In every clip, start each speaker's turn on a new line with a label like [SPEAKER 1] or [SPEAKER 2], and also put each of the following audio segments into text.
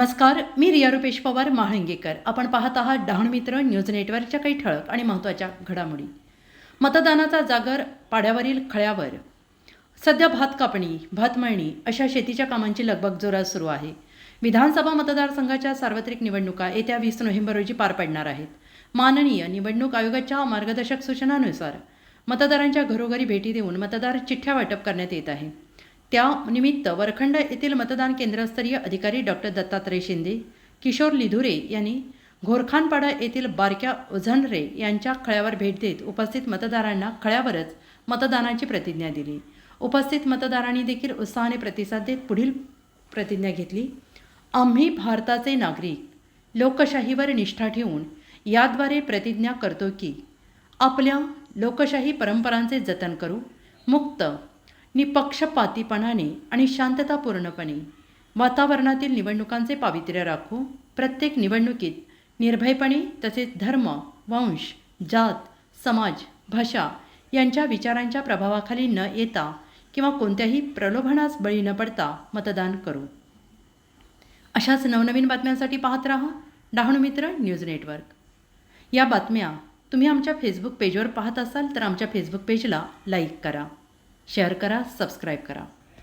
[SPEAKER 1] नमस्कार, मी रिया रुपेश पवार महाळंगेकर. आपण पाहत आहात डहाणू मित्र न्यूज नेटवर्कच्या काही ठळक आणि महत्त्वाच्या घडामोडी. मतदानाचा जागर पाड्यावरील खळ्यावर. सध्या भात कापणी, भात मळणी अशा शेतीच्या कामांची लगबग जोरात सुरू आहे. विधानसभा मतदारसंघाच्या सार्वत्रिक निवडणुका येत्या 20 नोव्हेंबर रोजी पार पडणार आहेत. माननीय निवडणूक आयोगाच्या मार्गदर्शक सूचनांनुसार मतदारांच्या घरोघरी भेटी देऊन मतदार चिठ्ठ्या वाटप करण्यात येत आहे. त्यानिमित्त वरखंड येथील मतदान केंद्रस्तरीय अधिकारी डॉक्टर दत्तात्रय शिंदे, किशोर लिधुरे यांनी घोरखानपाडा येथील बारक्या ओझनरे यांच्या खळ्यावर भेट देत उपस्थित मतदारांना खळ्यावरच मतदानाची प्रतिज्ञा दिली. उपस्थित मतदारांनी देखील उत्साहाने प्रतिसाद देत पुढील प्रतिज्ञा घेतली. आम्ही भारताचे नागरिक लोकशाहीवर निष्ठा ठेवून याद्वारे प्रतिज्ञा करतो की आपल्या लोकशाही परंपरांचे जतन करू, मुक्त निपक्षपातीपणाने आणि शांततापूर्णपणे वातावरणातील निवडणुकांचे पावित्र्य राखू. प्रत्येक निवडणुकीत निर्भयपणे तसेच धर्म, वंश, जात, समाज, भाषा यांच्या विचारांच्या प्रभावाखाली न येता किंवा कोणत्याही प्रलोभनास बळी न पडता मतदान करू. अशाच नवनवीन बातम्यांसाठी पाहत राहा डहाणू मित्र न्यूज नेटवर्क. या बातम्या तुम्ही आमच्या फेसबुक पेजवर पाहत असाल तर आमच्या फेसबुक पेजला लाईक करा, शेअर करा, सबस्क्राईब करा.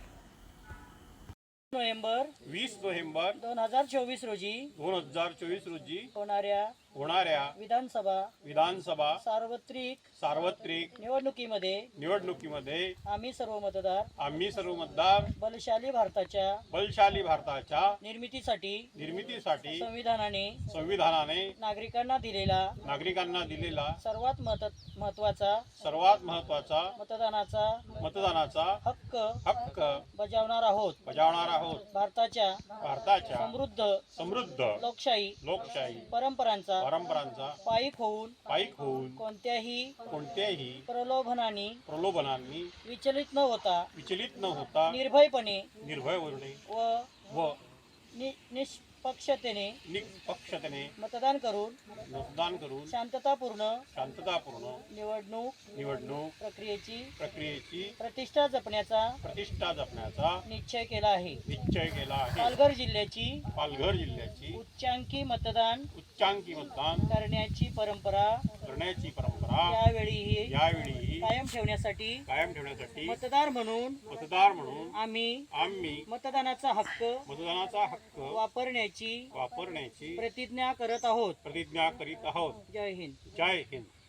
[SPEAKER 2] 20 नोव्हेंबर
[SPEAKER 3] 2024
[SPEAKER 2] रोजी
[SPEAKER 3] होणाऱ्या विधानसभा सार्वत्रिक
[SPEAKER 2] निवडणुकीमध्ये
[SPEAKER 3] आम्ही सर्व मतदार बलशाली भारताच्या निर्मितीसाठी
[SPEAKER 2] संविधानाने
[SPEAKER 3] नागरिकांना दिलेला सर्वात महत्त्वाचा मतदानाचा हक्क बजावणार आहोत. भारताच्या
[SPEAKER 2] समृद्ध
[SPEAKER 3] लोकशाही परंपरांचा पायीक होऊन
[SPEAKER 2] कोणत्याही
[SPEAKER 3] प्रलोभनांनी विचलित न होता निर्भयपणे व निष्पक्षतेने मतदान करून शांततापूर्ण निवडणूक प्रक्रियेची प्रतिष्ठा जपण्याचा निश्चय केला आहे. पालघर जिल्ह्याची उच्चांकी मतदान करण्याची परंपरा यावेळी कायम ठेवण्यासाठी मतदार म्हणून आम्ही मतदानाचा हक्क वापरण्याची प्रतिज्ञा करीत आहोत.
[SPEAKER 2] जय हिंद.